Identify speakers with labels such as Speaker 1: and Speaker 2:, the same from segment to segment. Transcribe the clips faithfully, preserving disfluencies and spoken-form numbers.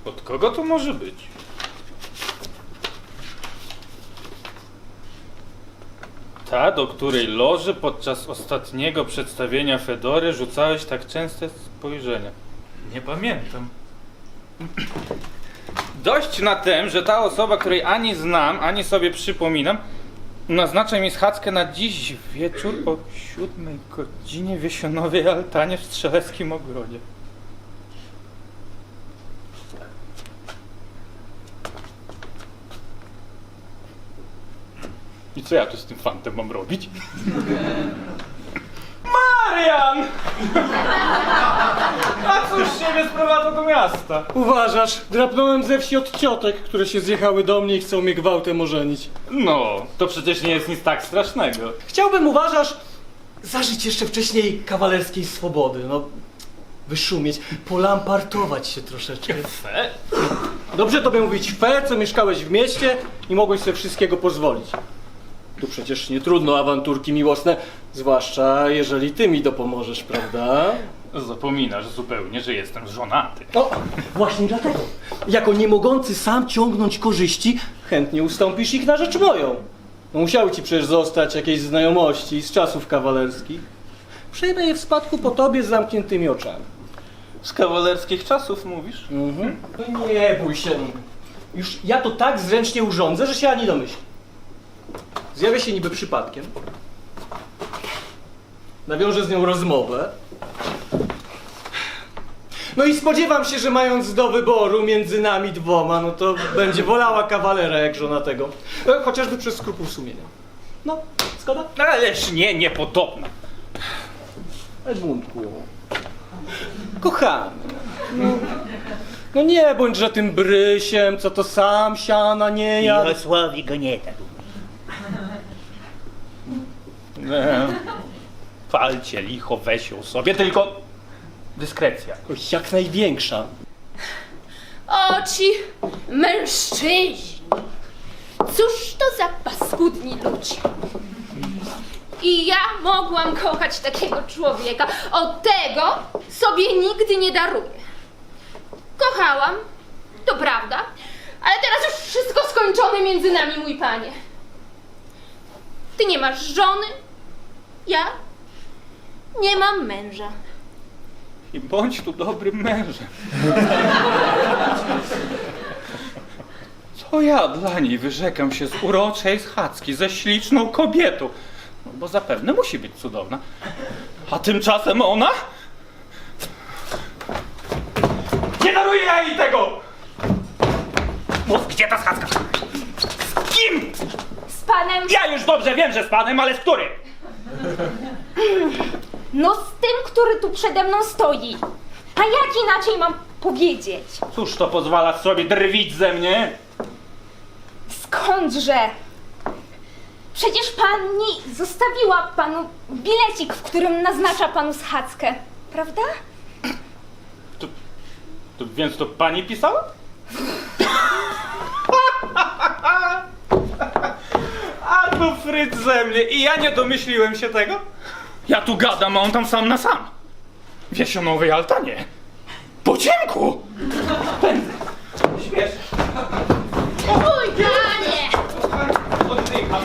Speaker 1: Od kogo to może być? Ta, do której loży podczas ostatniego przedstawienia Fedory rzucałeś tak częste spojrzenia. Nie pamiętam. Dość na tym, że ta osoba, której ani znam, ani sobie przypominam, naznacza mi schadzkę na dziś wieczór o siódmej godzinie w Jesionowej altanie w Strzeleckim Ogrodzie. I co ja tu z tym fantem mam robić? Marian! A cóż ciebie sprowadza do miasta?
Speaker 2: Uważasz, drapnąłem ze wsi od ciotek, które się zjechały do mnie i chcą mnie gwałtem ożenić.
Speaker 1: No, to przecież nie jest nic tak strasznego.
Speaker 2: Chciałbym, uważasz, zażyć jeszcze wcześniej kawalerskiej swobody, no, wyszumieć, polampartować się troszeczkę.
Speaker 1: Fe?
Speaker 2: Dobrze tobie mówić fe, co mieszkałeś w mieście i mogłeś sobie wszystkiego pozwolić. Tu przecież nie trudno awanturki miłosne, zwłaszcza jeżeli ty mi dopomożesz, prawda?
Speaker 1: Zapominasz zupełnie, że jestem żonaty.
Speaker 2: O, właśnie dlatego. Jako nie mogący sam ciągnąć korzyści, chętnie ustąpisz ich na rzecz moją. No musiały ci przecież zostać jakieś znajomości z czasów kawalerskich. Przejmę je w spadku po tobie z zamkniętymi oczami.
Speaker 1: Z kawalerskich czasów mówisz?
Speaker 2: Mhm. No nie bój się. Już ja to tak zręcznie urządzę, że się ani domyśli. Zjawię się niby przypadkiem. Nawiążę z nią rozmowę. No i spodziewam się, że mając do wyboru między nami dwoma, no to będzie wolała kawalera jak żonatego. E, Chociażby przez skrupuł sumienia. No, zgoda?
Speaker 1: Ależ nie, niepodobna.
Speaker 2: Edmundku. Kochany. No, no nie bądźże tym brysiem, co to sam siana nie jadł.
Speaker 3: Mirosławi go nie tak.
Speaker 1: Nie. Palcie licho, weź ją sobie, tylko dyskrecja.
Speaker 2: Oj, jak największa.
Speaker 4: O ci mężczyźni! Cóż to za paskudni ludzie! I ja mogłam kochać takiego człowieka, od tego sobie nigdy nie daruję. Kochałam, to prawda, ale teraz już wszystko skończone między nami, mój panie. Ty nie masz żony, ja nie mam męża.
Speaker 1: I bądź tu dobrym mężem. Co ja dla niej wyrzekam się z uroczej schadzki, ze śliczną kobietą? No bo zapewne musi być cudowna. A tymczasem ona? Nie daruję ja jej tego! Mów, gdzie ta schadzka? Z kim?
Speaker 4: Z panem...
Speaker 1: Ja już dobrze wiem, że z panem, ale z którym?
Speaker 4: No z tym, który tu przede mną stoi. A jak inaczej mam powiedzieć?
Speaker 1: Cóż to pozwala sobie drwić ze mnie?
Speaker 4: Skądże? Przecież pani zostawiła panu bilecik, w którym naznacza panu schadzkę, prawda?
Speaker 1: To, to, więc to pani pisała? A to fryt ze mnie i ja nie domyśliłem się tego? Ja tu gadam, a on tam sam na sam. W Jesionowej altanie. Po ciemku! Pędzę. Śmiesz.
Speaker 4: Mój panie!
Speaker 1: Oddycham.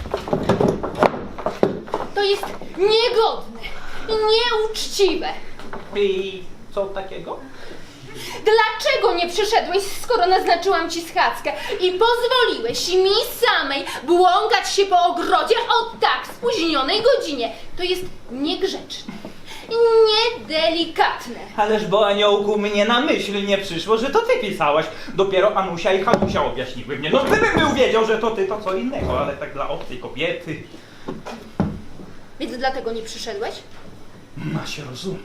Speaker 4: To jest niegodne i nieuczciwe.
Speaker 1: I co takiego?
Speaker 4: Dlaczego nie przyszedłeś, skoro naznaczyłam ci schadzkę i pozwoliłeś mi samej błąkać się po ogrodzie o tak spóźnionej godzinie? To jest niegrzeczne, niedelikatne.
Speaker 1: Ależ bo aniołku mnie na myśl nie przyszło, że to ty pisałaś. Dopiero Anusia i Hanusia objaśniły mnie. No gdybym był wiedział, że to ty, to co innego, ale tak dla obcej kobiety.
Speaker 4: Więc dlatego nie przyszedłeś?
Speaker 1: Ma się rozumieć.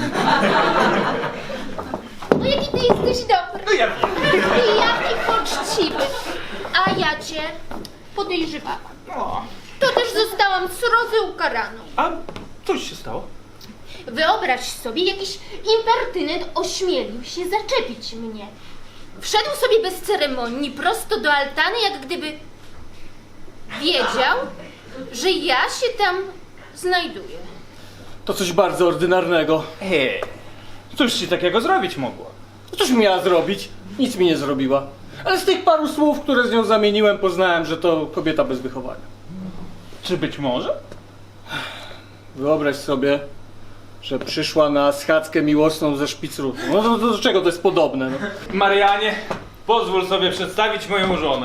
Speaker 4: No jaki ty jesteś dobry.
Speaker 1: No ja wiem.
Speaker 4: I jaki poczciwy. A ja cię podejrzewałam.
Speaker 1: O,
Speaker 4: To też zostałam srodze ukaraną.
Speaker 1: a coś się stało?
Speaker 4: Wyobraź sobie, jakiś impertynent ośmielił się zaczepić mnie. Wszedł sobie bez ceremonii prosto do altany, jak gdyby wiedział, że ja się tam znajduję.
Speaker 2: To coś bardzo ordynarnego.
Speaker 1: Hej, cóż ci takiego zrobić mogło?
Speaker 2: Co coś miała zrobić? Nic mi nie zrobiła. Ale z tych paru słów, które z nią zamieniłem, poznałem, że to kobieta bez wychowania.
Speaker 1: Czy być może?
Speaker 2: Wyobraź sobie, że przyszła na schadzkę miłosną ze Szpicrutu. No to, to do czego to jest podobne? No?
Speaker 1: Marianie, pozwól sobie przedstawić moją żonę.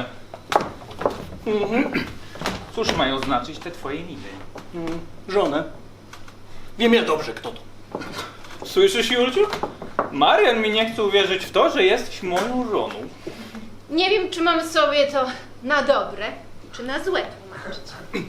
Speaker 1: Cóż mają znaczyć te twoje miny?
Speaker 2: Mm, żonę. Wiem ja dobrze, kto to.
Speaker 1: Słyszysz, Julciu? Marian mi nie chce uwierzyć w to, że jesteś moją żoną.
Speaker 4: Nie wiem, czy mam sobie to na dobre, czy na złe tłumaczyć.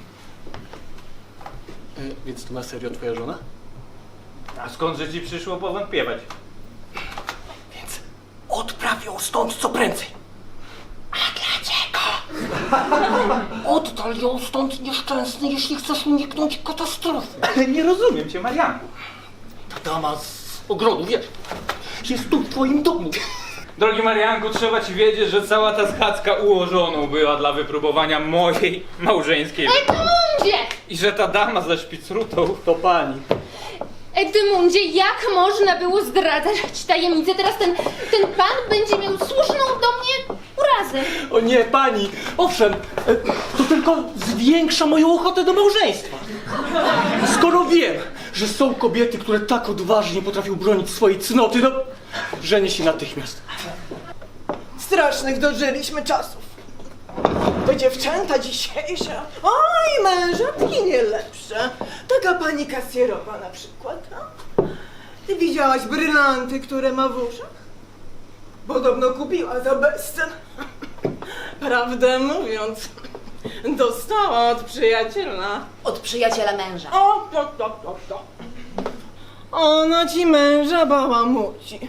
Speaker 2: E, więc to na serio twoja żona?
Speaker 1: A skądże ci przyszło powątpiewać?
Speaker 2: Więc odpraw ją stąd co prędzej. A dlaczego? Oddal ją stąd, nieszczęsny, jeśli chcesz uniknąć katastrofy.
Speaker 1: Ale nie rozumiem cię, Marianku.
Speaker 2: Ta dama z ogrodu, wiesz, jest tu w twoim domu.
Speaker 1: Drogi Marianku, trzeba ci wiedzieć, że cała ta schadzka ułożoną była dla wypróbowania mojej małżeńskiej.
Speaker 4: Edmundzie!
Speaker 1: I że ta dama ze Szpicrutą...
Speaker 2: To pani.
Speaker 4: Edmundzie, jak można było zdradzać tajemnicę? Teraz ten, ten pan będzie miał słuszną do mnie urazę.
Speaker 2: O nie, pani! Owszem, e, to tylko zwiększa moją ochotę do małżeństwa. Skoro wiem, że są kobiety, które tak odważnie potrafią bronić swojej cnoty, no, żenię się natychmiast.
Speaker 3: Strasznych dożyliśmy czasów. To dziewczęta dzisiejsze, oj, mężatki nie lepsze. Taka pani kasjerowa na przykład. A? Ty widziałaś brylanty, które ma w uszach? Podobno kupiła za bezcen. Prawdę mówiąc, dostała od przyjaciela.
Speaker 5: Od przyjaciela męża.
Speaker 3: O, to, to, to, to. Ona ci męża bałamuci.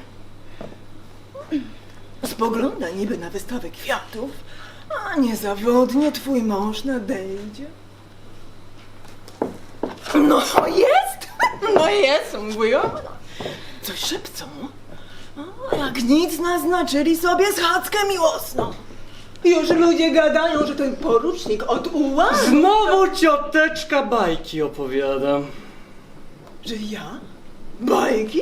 Speaker 3: Spogląda niby na wystawę kwiatów, a niezawodnie twój mąż nadejdzie. No jest, no jest, mówią. Coś szepcą. O, jak nic naznaczyli sobie schadzkę miłosną. Już ludzie gadają, że ten porucznik od ułanu...
Speaker 2: Znowu cioteczka bajki opowiadam.
Speaker 3: Że ja? Bajki?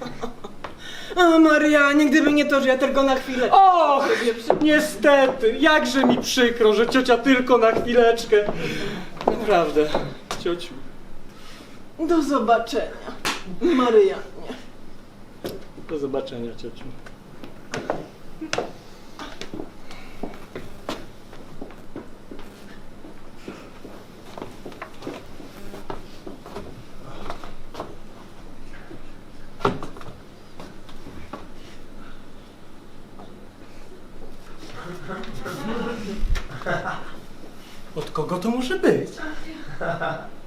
Speaker 3: A Marianie, gdyby nie to, że ja tylko na chwilę...
Speaker 2: Och, niestety, jakże mi przykro, że ciocia tylko na chwileczkę. Naprawdę, ciociu.
Speaker 3: Do zobaczenia, Marianie.
Speaker 2: Do zobaczenia, ciociu. Od kogo to może być?